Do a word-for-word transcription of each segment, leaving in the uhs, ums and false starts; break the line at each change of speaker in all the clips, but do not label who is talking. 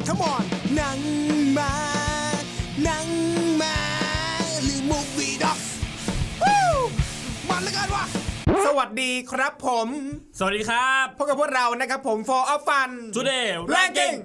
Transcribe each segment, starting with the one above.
Come on หนังมาหนังมาหรือ Movie Doc มันละกันวะสวัสดีครับผม
สวัสดีครับ
พบกับพวกเรานะครับผม For of Fun
Today
Ranking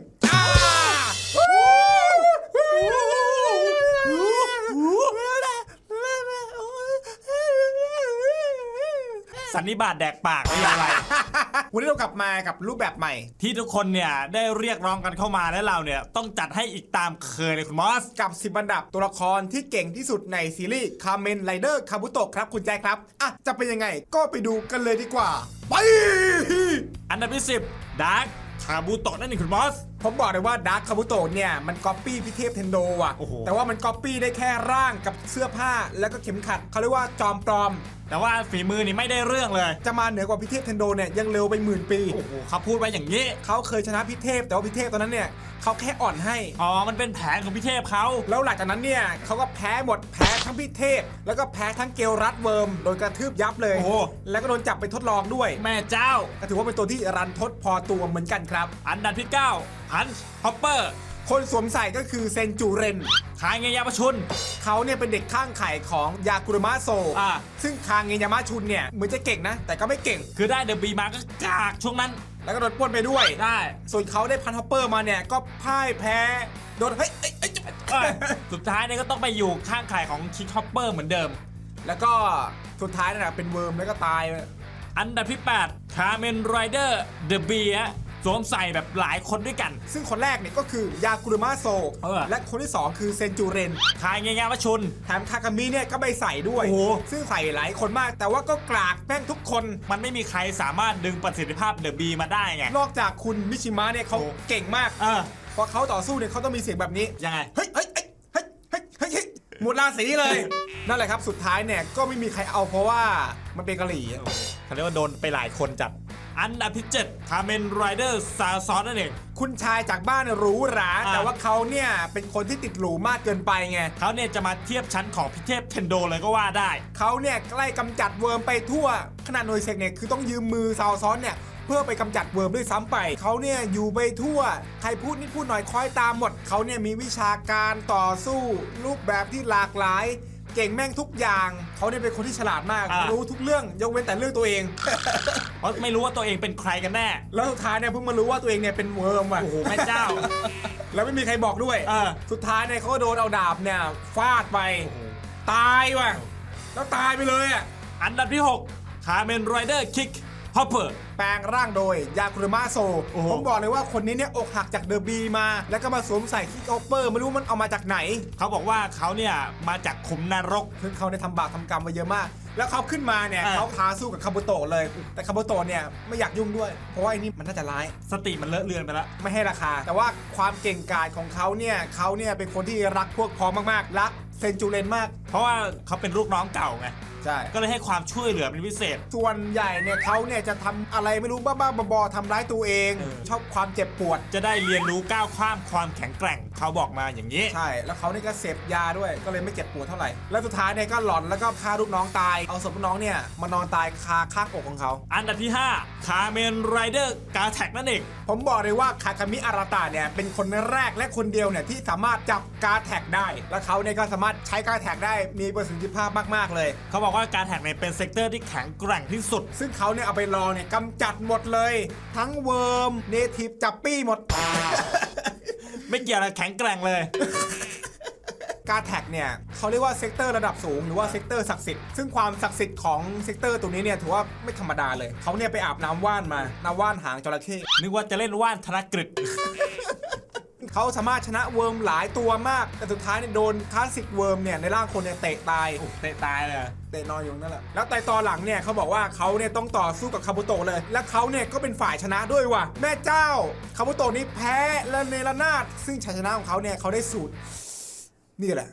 สันนิบาตแดกปากไม่อะไร
วันนี้เรากลับมากับรูปแบบใหม่
ที่ทุกคนเนี่ยได้เรียกร้องกันเข้ามาและเราเนี่ยต้องจัดให้อีกตามเคยเลยคุณมอส
กับสิบอันดับตัวละครที่เก่งที่สุดในซีรีส์คาเมนไรเดอร์คาบุโตะครับคุณแจ๊คครับอ่ะจะเป็นยังไงก็ไปดูกันเลยดีกว่าไป
อันดับที่สิบดาร์คคาบุโตะนั่นเองคุณมอส
ผมบอกเลยว่าดาร์คคาบุโตะเนี่ยมันก๊อปปี้พี่เทพเทนโดอ่ะแต่ว่ามันก๊อปปี้ได้แค่ร่างกับเสื้อผ้าแล้วก็เข็มขัดเขาเรียกว่าจอมปลอม
แต่ว่าฝีมือนี่ไม่ได้เรื่องเลย
จะมาเหนือกว่าพี่เทพเทนโดเนี่ยยังเร็วไปหมื่นปี
โอ้โหเขาพูดไว้อย่างนี้
เขาเคยชนะพี่เทพแต่ว่าพี่เทพตอนนั้นเนี่ยเขาแค่อ่อนให้
อ๋อมันเป็นแผนของพี่เทพเขา
แล้วหลังจากนั้นเนี่ยเขาก็แพ้หมดแพ้ทั้งพี่เทพแล้วก็แพ้ทั้งเกลรัดเวิร์มโดนกระทืบยับเลย
โอ้
แล้วก็โดนจับไปทดลองด้วย
แม่เจ้า
ก็ถือว่าเป็นตัวที่รันทดพอตัวเหมือนกันครับ
อันดับที่เก้าพันช์ฮอปเปอร์
คนสวมใส่ก็คือเซนจูเรน
คาเงยามาชุน
เขาเนี่ยเป็นเด็กข้างไข่ของยากุระมะโซ
อ่า
ซึ่งคาเงยามะชุนเนี่ยเหมือนจะเก่งนะแต่ก็ไม่เก่ง
คือได้เดอะบีมาก็กากช่วงนั้น
แล้วก็โดนปล้นไปด้วย
ได้
ส่วนเขาได้พันฮอปเปอร์มาเนี่ยก็พ่ายแพ้โดนเฮ้ยเอ้ย
สุดท้ายเนี่ยก็ต้องไปอยู่ข้างไข่ของคิกฮอปเปอร์เหมือนเดิม
แล้วก็สุดท้ายนั่นแหละเป็นเวิร์มแล้วก็ตาย
อันดับที่แปดคาเมนไรเดอร์เดอะบีฮะสวมใส่แบบหลายคนด้วยกัน
ซึ่งคนแรกเนี่ยก็คือยากุระมะโซและคนที่สองคือเซนจูเรน
คาเงยามะชุน
แถมคากามิเนี่ยก็ไปใส่ด้วยซึ่งใส่หลายคนมากแต่ว่าก็กลากแป้งทุกคน
มันไม่มีใครสามารถดึงประสิทธิภาพเดอะบีมาได้ไง
นอกจากคุณมิชิมะเนี่ยเขาเก่งมาก
เออ
พอเขาต่อสู้เนี่ยเขาต้องมีเสียงแบบนี้
ยังไง
เฮ้ยเฮ้ยเฮ้ยเฮ้ยเฮ้ยเฮ้ยหมดราศีเลยนั่นแหละครับสุดท้ายเนี่ยก็ไม่มีใครเอาเพราะว่ามันเป็นกะหรี่
เขาเรียกว่าโดนไปหลายคนจัดอันดับที่เจ็ดคาเมนไรเดอร์ซาซอนนั่นเอง
คุณชายจากบ้านหรูหราแต่ว่าเขาเนี่ยเป็นคนที่ติดหรูมากเกินไปไง
เขาเนี่ยจะมาเทียบชั้นของพิเทพเทนโดเลยก็ว่าได้
เขาเนี่ยใกล้กำจัดเวิร์มไปทั่วขนาดหน่วยเซกเนี่ยคือต้องยืมมือซาซอนเนี่ยเพื่อไปกำจัดเวิร์มด้วยซ้ำไปเขาเนี่ยอยู่ไปทั่วใครพูดนิดพูดหน่อยคอยตามหมดเขาเนี่ยมีวิชาการต่อสู้รูปแบบที่หลากหลายเก่งแม่งทุกอย่างเขาเนี่ยเป็นคนที่ฉลาดมากรู้ทุกเรื่องยกเว้นแต่เรื่องตัวเอง
เพราะไม่รู้ว่าตัวเองเป็นใครกันแน่
แล้วสุดท้ายเนี่ยเพิ่งมารู้ว่าตัวเองเนี่ยเป็นเวิร์มว่ะ
โอ้โหแม่เจ้า
แล้วไม่มีใครบอกด้วยสุดท้ายเนี่ยเขาโดนเอาดาบเนี่ยฟาดไปตายว่ะแล้วตายไปเลยอ่ะ
อันดับที่หกคาเมนไรเดอร์คิกฮอปเปอร์
แปลงร่างโดยยากุระมะโซผมบอกเลยว่าคนนี้เนี่ยอกหักจากเดอะบีมาแล้วก็มาสวมใส่คิกฮอปเปอร์ไม่รู้มันเอามาจากไหน
เขาบอกว่าเขาเนี่ยมาจากขุมนรก
ซึ่งเขาได้ทำบาปทำกรรมมาเยอะมากแล้วเขาขึ้นมาเนี่ยเขาท้าสู้กับคาบุโตะเลยแต่คาบุโตะเนี่ยไม่อยากยุ่งด้วยเพราะว่าไอ้นี่มันน่าจะร้าย
สติมันเลอะเลือนไปแล้ว
ไม่ให้ราคาแต่ว่าความเก่งกาจของเขาเนี่ยเขาเนี่ยเป็นคนที่รักพวกพ้องมากๆรักเซนจูเรนมาก
เพราะว่าเขาเป็นลูกน้องเก่าไง
ใช่
ก็เลยให้ความช่วยเหลือเป็นพิเศษ
ส่วนใหญ่เนี่ยเขาเนี่ยจะทำอะไรไม่รู้บ้าๆบอๆทำร้ายตัวเองชอบความเจ็บปวด
จะได้เรียนรู้ก้าวข้ามความแข็งแกร่งเขาบอกมาอย่างนี้
ใช่แล้วเขาเนี่ยก็เสพยาด้วยก็เลยไม่เจ็บปวดเท่าไหร่แล้วสุดท้ายเนี่ยก็หลอนแล้วก็ฆ่าลูกน้องตายเอาศพลูกน้องเนี่ยมานอนตายคาข้างอกของเขา
อันดับที่ห้าคาเมนไรเดอร์กาแท็กนั่นเอง
ผมบอกเลยว่าคาคามิอาราตะเนี่ยเป็นคนแรกและคนเดียวเนี่ยที่สามารถจับกาแท็กได้และเขาเนี่ยก็สามารถใช้กาแท็กได้มีประสิทธิภาพมากๆเลย
เขาบอกว่ากาแท็กเนี่ยเป็นเซกเตอร์ที่แข็งแกร่งที่สุด
ซึ่งเขาเนี่ยเอาไปลองเนี่ยกำจัดหมดเลยทั้งเวิร์มเนทีฟจับปี้หมด
ไม่เกี่ยวอะไรแข็งแกร่งเลย
กาแท็กเนี่ยเขาเรียกว่าเซกเตอร์ระดับสูงหรือว่าเซกเตอร์ศักดิ์สิทธิ์ซึ่งความศักดิ์สิทธิ์ของเซกเตอร์ตัวนี้เนี่ยถือว่าไม่ธรรมดาเลยเขาเนี่ยไปอาบน้ำว่านมาน้ำว่านหางจระเข้
นึกว่าจะเล่นว่านธนกฤษ
เขาสามารถชนะเวิร์มหลายตัวมากแต่สุดท้ายเนี่ยโดนคลาสสิกเวิร์มเนี่ยในร่างคนเนี่ยเตะตาย
เตะตายเลย
เตะนอนอยู่นั่นแหละแล้วแต่ตอนหลังเนี่ยเขาบอกว่าเขาเนี่ยต้องต่อสู้กับคาบุโตะเลยและเขาเนี่ยก็เป็นฝ่ายชนะด้วยว่ะแม่เจ้าคาบุโตะนี่แพ้และเนรนาถซึ่งชัยชนะของเขาเนี่ยเขาได้สูตรนี่แหละ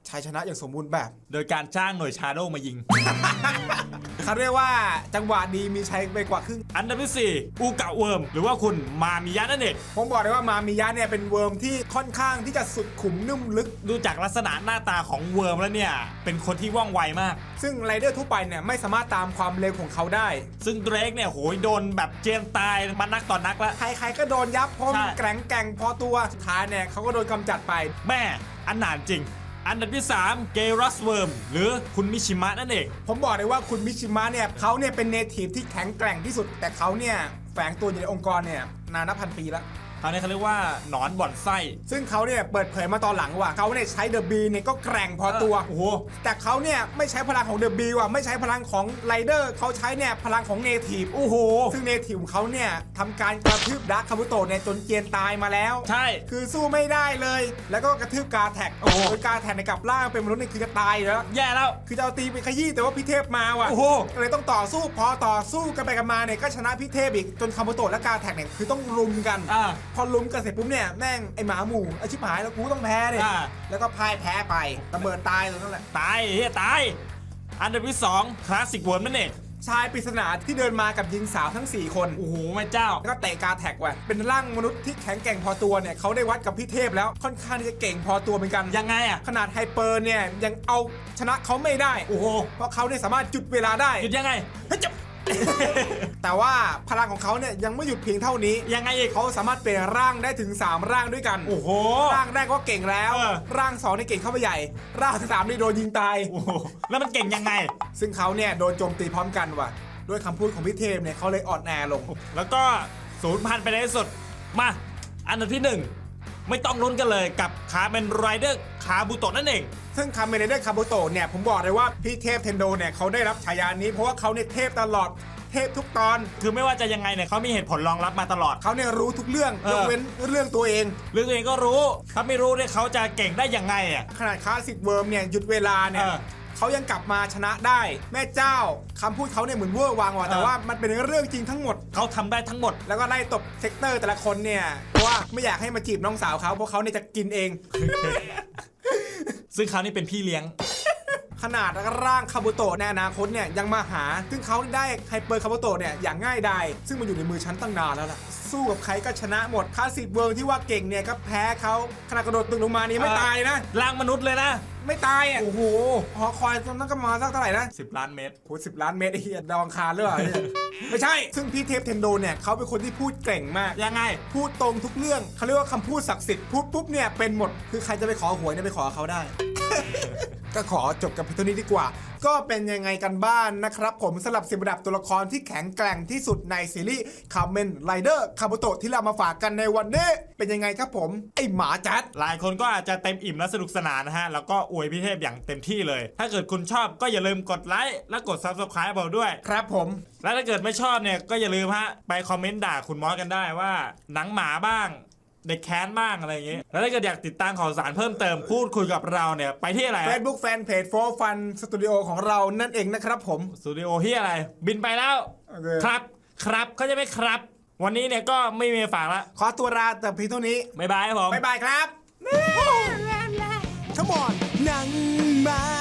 ชัยชนะอย่างสมบูรณ์แบบ
โดยการจ้างหน่วยชาโดว์มายิง
เขาเรียกว่าจังหวะดีมีชัยไปกว่าครึ่ง
อันดับที่สี่อูกะเวิร์มหรือว่าคุณมามิยะนั่นเอง
ผมบอกเลยว่ามามิยะเนี่ยเป็นเวิร์มที่ค่อนข้างที่จะสุดขุมนุ่มลึก
ดูจากลักษณะหน้าตาของเวิร์มแล้วเนี่ยเป็นคนที่ว่องไวมาก
ซึ่งไรเดอร์ทั่วไปเนี่ยไม่สามารถตามความเร็วของเขาได้
ซึ่งเดรกเนี่ยโหยโดนแบบเจียนตายมานักต่อนนักแล้ว
ใครๆก็โดนยับเพราะมัน
ใช่
แกร่งแกร่งพอตัวสุดท้ายเนี่ยเขาก็โดนกำจัดไป
แม่อันหนานจริง อันดับที่สามเกรัสเวิร์มหรือคุณมิชิมะนั่นเอง
ผมบอกเลยว่าคุณมิชิมะเนี่ยเขาเนี่ยเป็นเนทีฟที่แข็งแกร่งที่สุด แต่เขาเนี่ยแฝงตัวอยู่ในองค์กรเนี่ยนานนับพันปีแล้ว
คราวนี้เขาเรียกว่าหนอนบ่อนไส้
ซึ่งเขาเนี่ยเปิดเผยมาตอนหลังว่าเขาเนี่ยใช้เดอะบีเนี่ยก็แกร่งพอตัว
โอ้โห
แต่เขาเนี่ยไม่ใช้พลังของเดอะบีว่ะไม่ใช้พลังของไรเดอร์เขาใช้เนี่ยพลังของเนทีฟ
โอ้โห
ซึ่งเนทีฟของเขาเนี่ยทำการกระทืบดักคาบุโตะเนี่ยจนเจียนตายมาแล้ว
ใช่
คือสู้ไม่ได้เลย แล้วก็กระทืบกาแท็ก
โอ้โห
โดยกาแท็กในยกลับร่างเป็นมนุษย์นี่คือจะตายอยู่แล้ว
แย่แล้ว
คือจะเอาตีไปขยี้แต่ว่าพี่เทพมาว่ะ
โอ้โห
ก็เลยต้องต่อสู้พอต่อสู้กันไปกันมาเนี่ยก็ชนะพี่เทพอีกจนคาบุโตะและกาแท็กเนี่ยคือต้องรุมกัน
อ่า
พอลุมกันเสร็จปุ๊บเนี่ยแม่งไอหมาหมู่ไอชิบหายแล้วกูต้องแพ้เลย
อ่า
แล้วก็พ่ายแพ้ไประเบิดตายตรงนั้นแหละ
ตายเฮียตาย อันดับที่สองคลาสสิกเวิร์มนั่นเอง
ชายปริศนาที่เดินมากับหญิงสาวทั้งสี่คน
โอ้โหแม่เจ้า
แล้วก็เตะกาแท็กว่ะเป็นร่างมนุษย์ที่แข็งแกร่งพอตัวเนี่ยเขาได้วัดกับพี่เทพแล้วค่อนข้างที่จะเก่งพอตัวเหมือนกัน
ยังไงอ่ะ
ขนาดไฮเปอร์เนี่ยยังเอาชนะเขาไม่ได้
โอ้โห
เพราะเขาเนี่ยสามารถจุดเวลาได้
หยุดยังไง
เฮ้ยจับ แต่ว่าพลังของเขาเนี่ยยังไม่หยุดเพียงเท่านี้
ยังไงอีก
เขาสามารถเปลี่ยนร่างได้ถึงสามร่างด้วยกัน
โอ้โห
ร่างแรกก็เก่งแล้ว
เออ
ร่างสองนี่เก่งเข้าไปใหญ่ ร่างที่สามนี่โดนยิงตาย
โอ้โหแล้วมันเก่งยังไง
ซึ่งเขาเนี่ยโดนโจมตีพร้อมกันว่ะด้วยคำพูดของพี่เทพเนี่ยเขาเลยอ่อนแอลง
แล้วก็ศูนย์พันไปในที่สุด มา อันดับที่หนึ่งไม่ต้องลุ้นกันเลยกับคาเมนไรเดอร์คาบุโตะนั่นเอง
ซึ่งคาเมเนเดอร์คาบุโตะเนี่ยผมบอกเลยว่าพี่เทพเทนโดเนี่ยเขาได้รับฉายานี้เพราะว่าเขาเนี่ยเทพตลอดเทพทุกตอน
คือไม่ว่าจะยังไงเนี่ยเขามีเหตุผลรองรับมาตลอด
เขาเนี่ยรู้ทุกเรื่อง
เออ
ยกเว้นเรื่องตัวเอง
เรื่องตัวเองก็รู้ ถ้าไม่รู้เนี่ยเขาจะเก่งได้ยังไงอ่ะ
ขนาดคลาสสิกเวิร์มเนี่ยหยุดเวลาเนี่ย
เออ
เขายังกลับมาชนะได้ แม่เจ้าคำพูดเขาเนี่ยเหมือนเวอร์วางว่ะแต่
เออ
ว่ามันเป็นเรื่องจริงทั้งหมด
เขาทำได้ทั้งหมด
แล้วก็ไล่ตบเซกเตอร์แต่ละคนเนี่ยเพราะว่าไม่อยากให้มาจีบน้องสาวเขาเพราะเขาเนี่ยจะกินเอง
ซึ่งเขานี่เป็นพี่เลี้ยง
ขนาดร่างคาบุโตะในอนาคตเนี่ยยังมาหา ซึ่งเขาได้ไฮเปอร์คาบุโตะเนี่ยอย่างง่ายดายซึ่งมันอยู่ในมือฉันตั้งนานแล้วล่ะสู้กับใครก็ชนะหมดคลาสสิกเวิร์ที่ว่าเก่งเนี่ยก็แพ้เขาขนาดกระโดดตึกลงมานี่ไม่ตายนะ
ร่างมนุษย์เลยนะ
ไม่ตายอ่ะ
โอ้โห
หอคอยตอนนั้นก็มาสักเท่าไหร่นะ
สิบล้านเมตร
โหสิบล้านเมตรไอ้เหี้ยดาวอังคารหรือเปล่าเนี่ย ไม่ใช่ ซึ่งพี่เทพเทนโดเนี่ยเขาเป็นคนที่พูดเก่งมาก
ยังไง
พูดตรงทุกเรื่องเขาเรียกว่าคำพูดศักดิ์สิทธิ์พูดปุ๊บเนี่ยเป็นหมดคือใครจะไปขอหวยเนี่ยไปขอเขาได้ ก็ขอจบกับเพียงเท่านี้ดีกว่า ก็เป็นยังไงกันบ้านนะครับผมสำหรับสิบระดับตัวละครที่แข็งแกร่งที่สุดในซีรีส์คาเมนไรเดอร์คาบุโตะที่เรามาฝากกันในวันนี้เป็นยังไงครับผมไอหมาจัด
หลายคนก็อาจจะเต็มอิ่มและสนุกสนานนะฮะ แล้วก็อวยพี่เทพอย่างเต็มที่เลย ถ้าเกิดคุณชอบก็อย่าลืมกดไลค์และกด ซับสไครบ์ เราด้วย
ครับผม
และถ้าเกิดไม่ชอบเนี่ยก็อย่าลืมฮะไปคอมเมนต์ด่าคุณมอสกันได้ว่าหนังหมาบ้างเด็กแค้นบ้างอะไรอย่างเงี้ยแล้วถ้าเกิดอยากติดตามข่าวสารเพิ่มเติมพูดคุยกับเราเนี่ยไปที่อะไร
Facebook Fanpage for Fun Studio ของเรานั่นเองนะครับผม
สตูดิโอที่อะไร บินไปแล้ว
โอเค
ครับครับเขาจะไม่ครับ วันนี้เนี่ยก็ไม่มีฝากละ
ขอตัวลาแต่เพียงเท่านี้
บ๊ายบายครับผม
บ๊ายบายครับ Come on หนังมา